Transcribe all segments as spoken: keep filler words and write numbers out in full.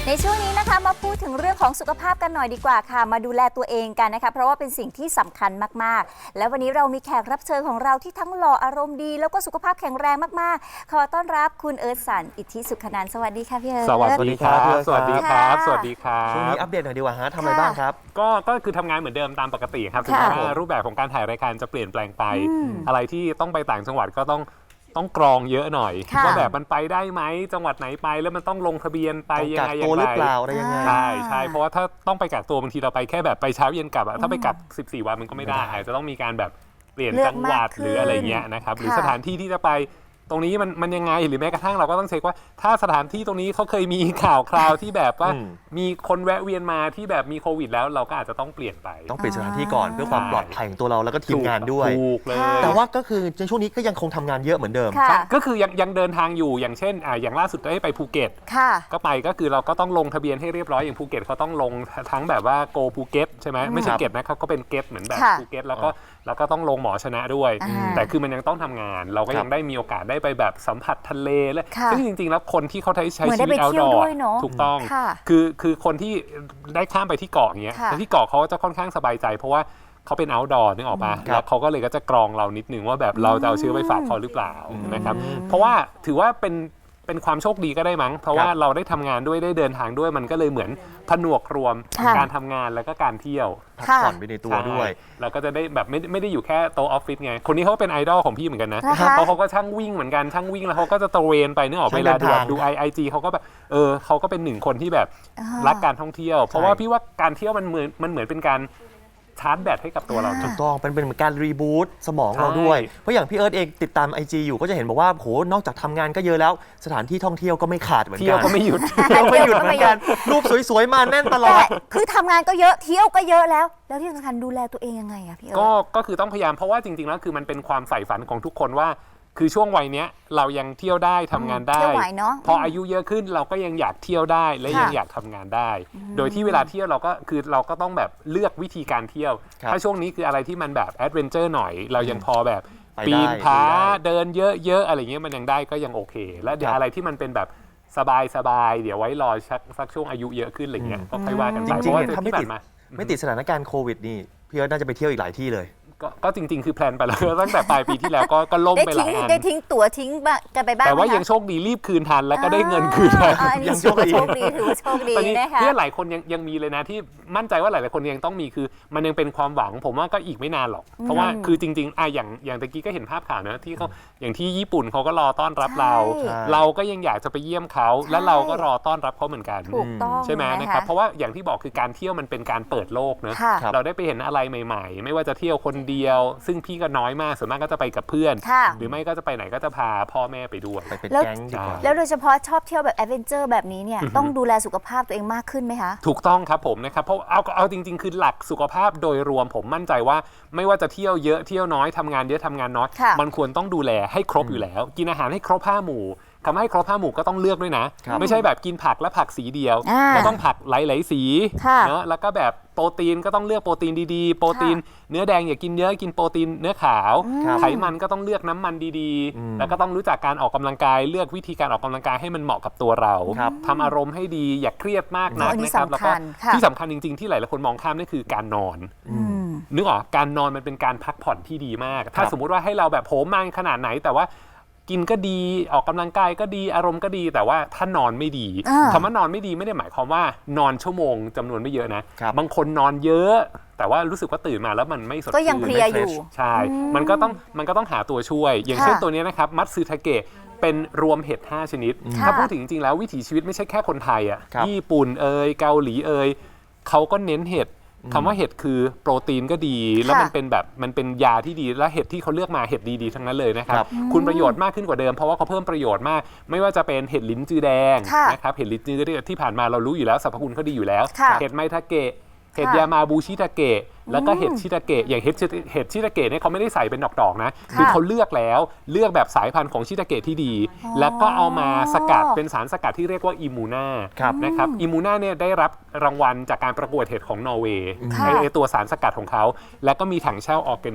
ในช่วงนี้นะคะมาพูดถึงเรื่องของสุขภาพกันหน่อยดีกว่าค่ะมาดูแลตัวเองกันนะคะเพราะว่าเป็นสิ่งที่สำคัญมากๆและวันนี้เรามีแขกรับเชิญของเราที่ทั้งหล่ออารมณ์ดีแล้วก็สุขภาพแข็งแรงมากๆขอต้อนรับคุณเอิร์ธสันอิทธิสุขนันท์สวัสดีค่ะพี่เอิร์ธสวัสดีครับสวัสดีครับสวัสดีครัช่วงบนี้อัปเดตหน่อยดีกว่าฮะทำอะไรบ้างครับก็ก็คือทำงานเหมือนเดิมตามปกติครับถึงแม้ว่ารูปแบบของการถ่ายรายการจะเปลี่ยนแปลงไปอะไรที่ต้องไปต่างจังหวัดก็ต้องต้องกรองเยอะหน่อยว่าแบบมันไปได้ไหมจังหวัดไหนไปแล้วมันต้องลงทะเบียนไปยังไงยังไงตัวหรือเปล่าอะไรยังไงใช่ใช่เพราะว่าถ้าต้องไปกักตัวบางทีเราไปแค่แบบไปเช้าเย็นกลับอะถ้าไปกักสิบสี่วันมันก็ไม่ได้อาจจะต้องมีการแบบเปลี่ยนจังหวัดหรืออะไรเงี้ยนะครับหรือสถานที่ที่จะไปตรงนี้มันมันยังไงหรือแม้กระทั่งเราก็ต้องเช็คว่าถ้าสถานที่ตรงนี้เขาเคยมีข่าวคราวที่แบบว่ามีคนแวะเวียนมาที่แบบมีโควิดแล้วเราก็อาจจะต้องเปลี่ยนไปต้องเปลี่ยนสถานที่ก่อนเพื่อความปลอดภัยของตัวเราแล้วก็ทีมงานด้วยถูกเลยแต่ว่าก็คือในช่วงนี้ก็ยังคงทำงานเยอะเหมือนเดิมก็คือยังยังเดินทางอยู่อย่างเช่นอ่าอย่างล่าสุดได้ไปภูเก็ตก็ไปก็คือเราก็ต้องลงทะเบียนให้เรียบร้อยอย่างภูเก็ตเขาต้องลงทั้งแบบว่าโกภูเก็ตใช่ไหมไม่ใช่เก็ตนะครับเขาเป็นเก็ตเหมือนแบบภูเก็ตแล้วก็แล้วก็ต้องลงหมอชนะด้วยแต่คือมันยังต้องทำงานเราก็ยังได้มีโอกาสได้ไปแบบสัมผัสทะเลและซึ่งจริงๆแล้วคนที่เขาใช้ใช้ชีวิตเอาท์ดอร์ถูกต้องคือคือคนที่ได้ข้ามไปที่เกาะอย่างเงี้ยที่เกาะเขาจะค่อนข้างสบายใจเพราะว่าเขาเป็น outdoor นึกออกมาแล้วเขาก็เลยก็จะกรองเรานิดนึงว่าแบบเราจะเอาเชื้อไปฝากเขาหรือเปล่านะครับเพราะว่าถือว่าเป็นเป็นความโชคดีก็ได้มั้งเพราะว่าเราได้ทำงานด้วยได้เดินทางด้วยมันก็เลยเหมือนผนวกรวมการทำงานแล้วก็การเที่ยวพักผ่อนไปในตัวด้วยเราก็จะได้แบบไม่ไม่ได้อยู่แค่โต๊ะออฟฟิศไงคนนี้เขาเป็นไอดอลของพี่เหมือนกันนะเพราะเขาก็ช่างวิ่งเหมือนกันช่างวิ่งแล้วเขาก็จะตระเวนไปนึกออกเวลาดูดูไอไอจีเขาก็แบบเออเขาก็เป็นหนึ่งคนที่แบบรักการท่องเที่ยวเพราะว่าพี่ว่าการเที่ยวมันเหมือนมันเหมือนเป็นการชาร์จแบตให้กับตัวเราถูกต้องเป็นเป็นการรีบูตสมองเราด้วยเพราะอย่างพี่เอิร์ธเองติดตาม ไอ จี อยู่ก็จะเห็นบอกว่าโหนอกจากทำงานก็เยอะแล้วสถานที่ท่องเที่ยวก็ไม่ขาดเหมือนกันเที่ยวก็ไม่หยุดเที่ยวไม่หยุดเหมือนกันรูปสวยๆมาแน่นตลอดคือทำงานก็เยอะเที่ยวก็เยอะแล้วแล้วที่สำคัญดูแลตัวเองยังไงอะพี่เอิร์ธก็ก็คือต้องพยายามเพราะว่าจริงๆแล้วคือมันเป็นความใฝ่ฝันของทุกคนว่าคือช่วงวัยเนี้ยเรายังเที่ยวได้ทำงานได้พออายุเยอะขึ้นเราก็ยังอยากเที่ยวได้และยังอยากทำงานได้โดยที่เวลาเที่ยวเราก็คือเราก็ต้องแบบเลือกวิธีการเที่ยวถ้าช่วงนี้คืออะไรที่มันแบบแอดเวนเจอร์หน่อยเรายังพอแบบปีนผาเดินเยอะๆอะไรเงี้ยมันยังได้ก็ยังโอเคแล้วเดี๋ยวอะไรที่มันเป็นแบบสบายๆเดี๋ยวไว้รอสักสักช่วงอายุเยอะขึ้นอะไรเงี้ยก็ค่อยว่ากันไปเพราะว่าถ้าไม่ติดไม่ติดสถานการณ์โควิดนี่พี่เอิร์ธน่าจะไปเที่ยวอีกหลายที่เลยก็จริงๆคือแพลนไปแล้วตั้งแต่ปลายปีที่แล้วก็ก็ล่มไปหลายอันได้ทิ้งตั๋วทิ้งกันไปบ้างแต่ว่ายังโชคดีรีบคืนทันแล้วก็ได้เงินคืนทันยังโชคดีถือว่าโชคดีนะคะเพื่อนหลายคนยังยังมีเลยนะที่มั่นใจว่าหลายๆคนยังต้องมีคือมันยังเป็นความหวังผมว่าก็อีกไม่นานหรอกเพราะว่าคือจริงๆอ่ะอย่างอย่างตะกี้ก็เห็นภาพข่าวนะที่เขาอย่างที่ญี่ปุ่นเขาก็รอต้อนรับเราเราก็ยังอยากจะไปเยี่ยมเขาและเราก็รอต้อนรับเขาเหมือนกันใช่ไหมนะครับเพราะว่าอย่างที่บอกคือการเที่ยวมันเป็นการเปิดโลกเนอะเราได้ไปเห็นอะไรใหม่ๆไม่ว่าจะเที่ยวคนเดียวซึ่งพี่ก็น้อยมากส่วนมากก็จะไปกับเพื่อนหรือไม่ก็จะไปไหนก็จะพาพ่อแม่ไปด้วยไปเป็นแก๊งดีกว่าแล้วโดยเฉพาะชอบเที่ยวแบบแอดเวนเจอร์แบบนี้เนี่ยต้องดูแลสุขภาพตัวเองมากขึ้นไหมคะถูกต้องครับผมนะครับเพราะเอาเอาจริงๆคือหลักสุขภาพโดยรวมผมมั่นใจว่าไม่ว่าจะเที่ยวเยอะเที่ยวน้อยทำงานเยอะทำงานน้อยมันควรต้องดูแลให้ครบอยู่แล้วกินอาหารให้ครบห้าหมู่ทำให้ครบห้าหมู่ก็ต้องเลือกด้วยนะไม่ใช่แบบกินผักและผักสีเดียวเราต้องผักหลายๆสีเนาะแล้วก็แบบโปรตีนก็ต้องเลือกโปรตีนดีๆโปรตีนเนื้อแดงอย่ากินเยอะกินโปรตีนเนื้อขาวไขมันก็ต้องเลือกน้ำมันดีๆแล้วก็ต้องรู้จักการออกกำลังกายเลือกวิธีการออกกำลังกายให้มันเหมาะกับตัวเราทำอารมณ์ให้ดีอย่าเครียดมากนักนะครับแล้วก็ที่สำคัญจริงๆที่หลายๆคนมองข้ามนั่นคือการนอนนึกออกการนอนมันเป็นการพักผ่อนที่ดีมากถ้าสมมุติว่าให้เราแบบโหมมันขนาดไหนแต่ว่ากินก็ดีออกกำลังกายก็ดีอารมณ์ก็ดีแต่ว่าถ้านอนไม่ดีคำว่านอนไม่ดีไม่ได้หมายความว่านอนชั่วโมงจำนวนไม่เยอะนะบางคนนอนเยอะแต่ว่ารู้สึกว่าตื่นมาแล้วมันไม่สดชื่นก็ยังเพลียอยู่ใช่มันก็ต้องมันก็ต้องหาตัวช่วยอย่างเช่นตัวนี้นะครับมัตสึทาเกะเป็นรวมเห็ดห้าชนิดถ้าพูดถึงจริงๆแล้ววิถีชีวิตไม่ใช่แค่คนไทยอ่ะญี่ปุ่นเอยเกาหลีเอยเขาก็เน้นเห็ดคำว่าเห็ดคือโปรตีนก็ดีแล้วมันเป็นแบบมันเป็นยาที่ดีและเห็ดที่เขาเลือกมาเห็ดดีๆทั้งนั้นเลยนะครับคุณประโยชน์มากขึ้นกว่าเดิมเพราะว่าเขาเพิ่มประโยชน์มากไม่ว่าจะเป็นเห็ดลิ้นจือแดงนะครับเห็ดลิ้นจือที่ผ่านมาเรารู้อยู่แล้วสรรพคุณเขาดีอยู่แล้วเห็ดไมทาเกะเห็ดยามาบูชิทาเกะแล้วก็เห็ดชิทาเกะอย่างเห็ดเห็ดชิทาเกะเนี่ยเขาไม่ได้ใส่เป็นดอกๆนะคือเขาเลือกแล้วเลือกแบบสายพันธุ์ของชิทาเกะที่ดีแล้วก็เอามาสกัดเป็นสารสกัดที่เรียกว่าอิมูน่านะครับอิมูน่าเนี่ยได้รับรางวัลจากการประกวดเห็ดของนอร์เวย์ไอตัวสารสกัดของเขาแล้วก็มีถังเช่าออร์แกนิก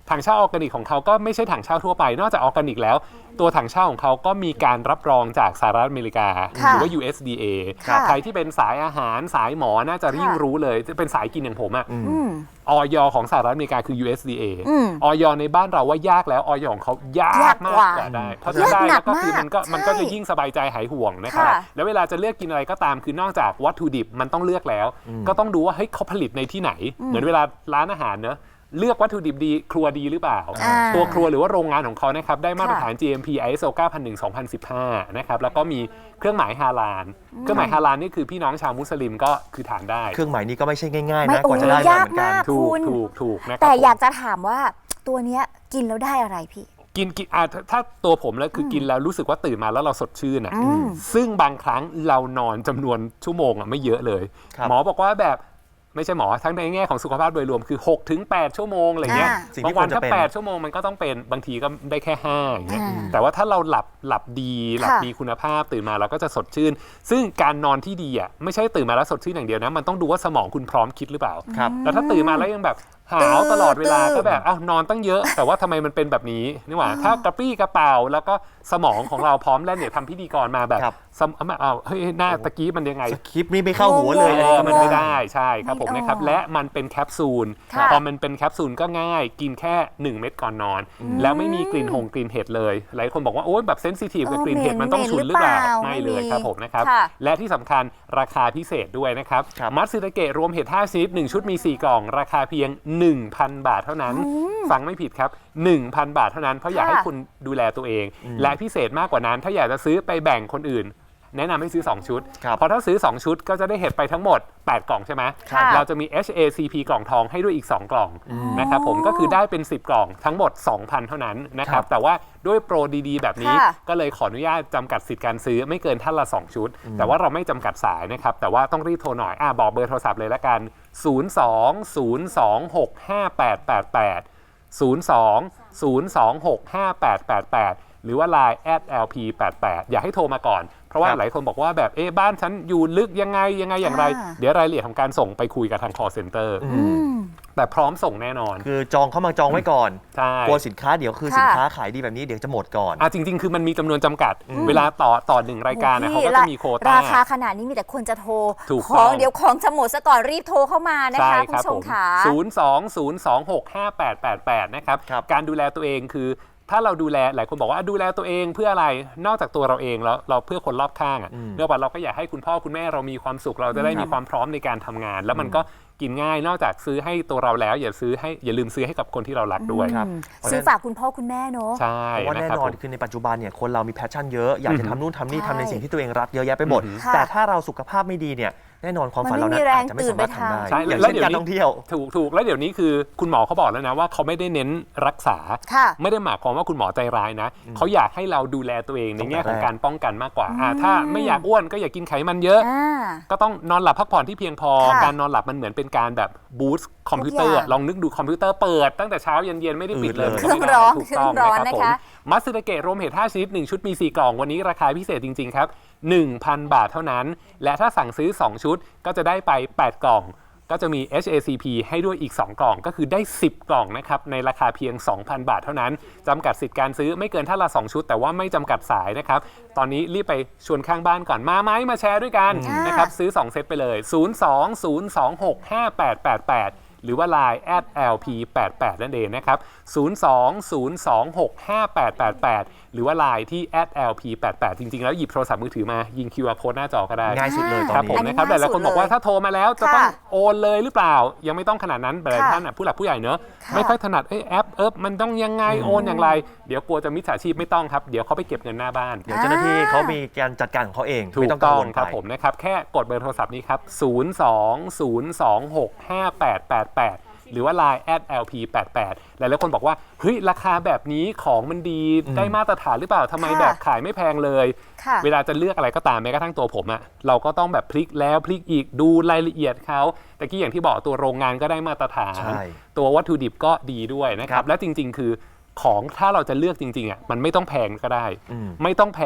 ถังเช่าออร์แกนิกของเขาก็ไม่ใช่ถังเช่าทั่วไปนอกจากออร์แกนิกแล้วตัวถังเช่าของเขาก็มีการรับรองจากสหรัฐอเมริกาหรือว่า ยู เอส ดี เอ ใครที่เป็นสายอาหารสายหมอน่าจะยิ่งรู้เลยจะเป็นสายกินอย่างผมอะออยของสหรัฐอเมริกาคือ ยู เอส ดี เอ ออยในบ้านเราว่ายากแล้วออยของเขายากมากกว่าได้เพราะฉะนั้นได้แล้วก็คือมันก็มันก็จะยิ่งสบายใจหายห่วงนะครับแล้วเวลาจะเลือกกินอะไรก็ตามคือนอกจากวัตถุดิบมันต้องเลือกแล้วก็ต้องดูว่าเฮ้ยเขาผลิตในที่ไหนเหมือนเวลาร้านอาหารเนอะเลือกวัตถุดิบดีครัวดีหรือเปล่าตัวครัวหรือว่าโรงงานของเขานะครับได้มาตรฐาน จี เอ็ม พี ไอ เอส โอ เก้าพันหนึ่ง สองพันสิบห้า นะครับแล้วก็มีเครื่องหมายฮาลาลเครื่องหมายฮาลาลนี่คือพี่น้องชาวมุสลิมก็คือทานได้เครื่องหมายนี้ก็ไม่ใช่ง่ายๆไม่นะกว่าจะได้โอ้ยมาเหมือนกันยากมากถูกถูกถูกนะครับแต่อยากจะถามว่าตัวเนี้ยกินแล้วได้อะไรพี่กินกินอ่ะถ้าถ้าตัวผมแล้วคือกินแล้วรู้สึกว่าตื่นมาแล้วเราสดชื่นอ่ะอืมซึ่งบางครั้งเรานอนจำนวนชั่วโมงอ่ะไม่เยอะเลยครับหมอบอกว่าแบบไม่ใช่หมอทั้งในแง่ของสุขภาพโดยรวมคือ หกถึงแปด ชั่วโมงอะไรเงี้ยอ่าสิ่งที่บางวันควรจะถ้าเป็นแปดชั่วโมงมันก็ต้องเป็นบางทีก็ได้แค่ห้าอย่างเงี้ยอ่าแต่ว่าถ้าเราหลับหลับดีหลับค่ะดีคุณภาพตื่นมาเราก็จะสดชื่น ซึ่งการนอนที่ดีอ่ะไม่ใช่ตื่นมาแล้วสดชื่นอย่างเดียวนะมันต้องดูว่าสมองคุณพร้อมคิดหรือเปล่าครับแล้วถ้าตื่นมาแล้วยังแบบหาวตลอดเวลาตื่นก็แบบอ้าวนอนตั้งเยอะ แต่ว่าทำไมมันเป็นแบบนี้นี่หว่าถ้ากระปรี้กระเป๋าแล้วก็สมองของเราพร้อมแล้วเนี่ยทำพิธีกรมาแบบครับสมอ้าวเฮ้ยหน้าตะกี้มันยังไงสคริปต์นี่ไม่เข้าหัวเลยงงเออมันงไม่งได้ใช่ครับผมไม่นะครับออกและมันเป็นแคปซูลค่ะพอมันเป็นแคปซูลก็ง่ายกินแค่หนึ่งเม็ดก่อนนอน แล้วไม่มีกลิ่นหงกลิ่นเห็ดเลยหลายคนบอกว่าโอ๊ยแบบเซนซิทีฟกับกลิ่นเห็ดมันต้องฉุนหรือเปล่าไม่เลยครับผมนะครับค่ะและที่สำคัญราคาพิเศษด้วยนะครับครับมัตสึตะเกะรวมเห็ดห้าชนิดหนึ่งชุดมีสี่กล่องราคาเพียง หนึ่งพัน บาทเท่านั้น ฟังไม่ผิดครับ หนึ่งพัน บาทเท่านั้นเพราะอยากให้คุณดูแลตัวเอง และพิเศษมากกว่านั้นถ้าอยากจะซื้อไปแบ่งคนอื่น แนะนำให้ซื้อสองชุดครับเพราะถ้าซื้อสองชุดก็จะได้เห็ดไปทั้งหมดแปดกล่องใช่ไหมค่ะเราจะมี เอช เอ ซี พี กล่องทองให้ด้วยอีกสองกล่องนะครับผมก็คือได้เป็นสิบกล่องทั้งหมด สองพัน เท่านั้นนะครับ แต่ว่าด้วยโปรดีๆ แบบนี้ค่ะก็เลยขออนุญาตจำกัดสิทธิ์การซื้อไม่เกินท่านละสองชุด แต่ว่าเราไม่จำกัดสายนะครับแต่ว่าต้องรีบโทรหน่อยอ่ะบอกเบอร์โทรศัพท์เลยละกัน ศูนย์ สอง ศูนย์ สอง หก ห้า แปด แปด แปด ศูนย์ สอง ศูนย์ สอง หก ห้า แปด แปด แปด หรือว่า ไลน์ แอท แอล พี แปด แปด อยากให้โทรมาก่อนเพราะว่าครับหลายคนบอกว่าแบบเอ๊ะบ้านฉันอยู่ลึกยังไงยังไงอย่างไรอ่าเดี๋ยวรายละเอียดของการส่งไปคุยกับทาง call center อืมแต่พร้อมส่งแน่นอนคือจองเข้ามาจองไว้ก่อนใช่กลัวสินค้าเดี๋ยวคือค่ะสินค้าขายดีแบบนี้เดี๋ยวจะหมดก่อนอ่ะจริง ๆ คือมันมีจำนวนจำกัด เวลาต่อต่อหนึ่งรายการนะเขาก็จะมีโควต้าราคาขนาดนี้มีแต่คนจะโทรถูกขต้อองงเดี๋ยวของจะหมดซะก่อนรีบโทรเข้ามานะใช่คะคคุณรับผู้ชผม มค่ะศูนย์ สอง ศูนย์ สอง หก ห้า แปด แปด แปด นะครับครับการดูแลตัวเองคือถ้าเราดูแลหลายคนบอกว่าดูแลตัวเองเพื่ออะไรนอกจากตัวเราเองแล้วเราเพื่อคนรอบข้างอ่ะเนื่องจากเราก็อยากให้คุณพ่อคุณแม่เรามีความสุขเราจะได้มีความพร้อมในการทำงาน แล้วมันก็กินง่ายนอกจากซื้อให้ตัวเราแล้วอย่าซื้อให้อย่าลืมซื้อให้กับคนที่เรารักด้วยครับซื้อฝากคุณพ่อคุณแม่เนอะใช่เพราะว่านะแน่ครับนอนผมคือในปัจจุบันเนี่ยคนเรามีแพชชั่นเยอะอยากจะทำนู่นทำนี่ใช่ทำในสิ่งที่ตัวเองรักเยอะแยะไปหมดค่ะแต่ถ้าเราสุขภาพไม่ดีเนี่ยแน่นอนความฝันเรานั้นอาจจะไม่สามารถทำได้ใช่อย่างแล้วเช่นเดี๋ยวการนี้ท่องเที่ยวถูกถูกแล้วเดี๋ยวนี้คือคุณหมอเขาบอกแล้วนะว่าเขาไม่ได้เน้นรักษาค่ะไม่ได้หมายความว่าคุณหมอใจร้ายนะเขาอยากให้เราดูแลตัวเองในแง่ของการป้องกันมากกว่าอ่าถ้าไม่อยากอ้วนก็อย่ากินไขมันเยอะอ่าก็ต้องนอนหลับพักผ่อนที่เพียงพอค่ะการนอนหลับมันเหมือนเป็นการแบบบูสต์คอมพิวเตอร์ทุกอย่างลองนึกดูคอมพิวเตอร์เปิดตั้งแต่เช้าเย็นๆไม่ได้ปิดเลยอืดเลยมันก็ไม่ได้เครื่องร้อนถูกต้องเครื่องร้อนนะครับผนะคะมมัตสึตะเกะรวมเห็ดห้าชนิดหนึ่งชุดมีสี่กล่องวันนี้ราคาพิเศษจริงๆครับ หนึ่งพัน บาทเท่านั้น และถ้าสั่งซื้อสองชุดก็จะได้ไปแปดกล่อง ก็จะมี เอช เอ ซี พี ให้ด้วยอีกสองกล่องก็คือได้สิบกล่องนะครับในราคาเพียง สองพัน บาทเท่านั้นจำกัดสิทธิ์การซื้อไม่เกินท่านละสองชุด แต่ว่าไม่จำกัดสายนะครับตอนนี้รีบไปชวนข้างบ้านก่อนมาไหมมาแชร์ด้วยกันอ่านนะครับซื้อสองเซตไปเลย ศูนย์ สอง ศูนย์ สอง หก ห้า แปด แปด แปด หรือว่า ไลน์ แอท แอล พี แปด แปด นั่นเองนะครับ ศูนย์ สอง ศูนย์ สอง หก ห้า แปด แปด แปด หรือว่า ไลน์ ที่ แอท แอล พี แปด แปด จริงๆแล้วหยิบโทรศัพท์มือถือมายิง คิว อาร์ code หน้าจอก็ได้ง่ายสุดเลยตอครับนผมนี้นะครับอันนี้หลายๆคนบอกว่าง่ายสุดเลยถ้าโทรมาแล้วจะต้องโอนเลยหรือเปล่า ยังไม่ต้องขนาดนั้นหลายค่ะท่านน่ะผู้หลักผู้ใหญ่เนอะค่ะไม่ค่อยถนัดเอ้ยแอปเอิบมันต้องยังไงโอนอย่างไร เดี๋ยวกลัวจะมิจฉาชีพไม่ต้องครับเดี๋ยวเขาไปเก็บเงินหน้าบ้านเดี๋ยวเจ้าหน้าที่เขามีการจัดการของเขาเองถูไม่กต้องกังต้องวลครับไปผมนะครับแค่กดเบอร์โทรศัพท์นี้ครับ ศูนย์ สอง ศูนย์ สอง หก ห้า แปด แปด แปด หรือว่า ไลน์ แอท แอล พี แปด แปด หลายๆคนบอกว่าเฮ้ยราคาแบบนี้ของมันดีได้มาตรฐานหรือเปล่าทำไมค่ะแบบขายไม่แพงเลยค่ะเวลาจะเลือกอะไรก็ตามแม้กระทั่งตัวผมอะเราก็ต้องแบบพลิกแล้วพลิกอีกดูรายละเอียดเขาแต่กี้อย่างที่บอกตัวโรงงานก็ได้มาตรฐานใช่ตัววัตถุดิบก็ดีด้วยนะคครัรับบ และจริง ๆ คือของถ้าเราจะเลือกจริงๆอะมันไม่ต้องแพงก็ได้อืมไม่ต้องแพง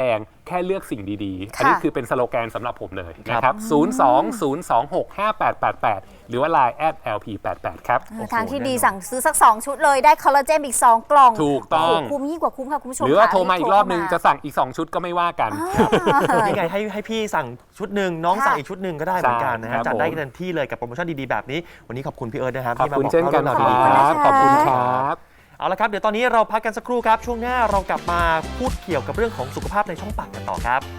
แค่เลือกสิ่งดีๆค่ะอันนี้คือเป็นสโลแกนสำหรับผมเลยนะครับ ศูนย์ สอง ศูนย์ สอง หก ห้า แปด แปด แปด หรือว่า ไลน์ แอท แอล พี แปด แปด ครับทางที่ดีสั่งซื้อสัก สอง ชุดเลยได้คอลลาเจนอีก สอง กล่องถูกต้องโโหคุ้มยิ่งกว่าคุ้มค่ะคุณผู้ชมหรือว่าค่ะโทรมาอีกรอบนึงโทจะสั่งอีก สอง ชุดก็ไม่ว่ากันนี่ไงให้ให้พี่สั่งชุดหนึ่งน้องค่ะสั่งอีกชุดหนึ่งก็ได้เหมือนกันนะใช่ครัฮะบจัดได้ผมเต็มที่เลยกับโปรโมชั่นดีๆแบบนี้วันนี้ขอบคุณพี่เอิร์ธนะครับขอบที่มาคุณบอกเช่นกันล่าคเรื่องรัราวบดีขอบคุณครับๆเอาละครับเดี๋ยวตอนนี้เราพักกันสักครู่ครับช่วงหน้าเรากลับมาพูดเกี่ยวกับเรื่องของสุขภาพในช่องปากกันต่อครับ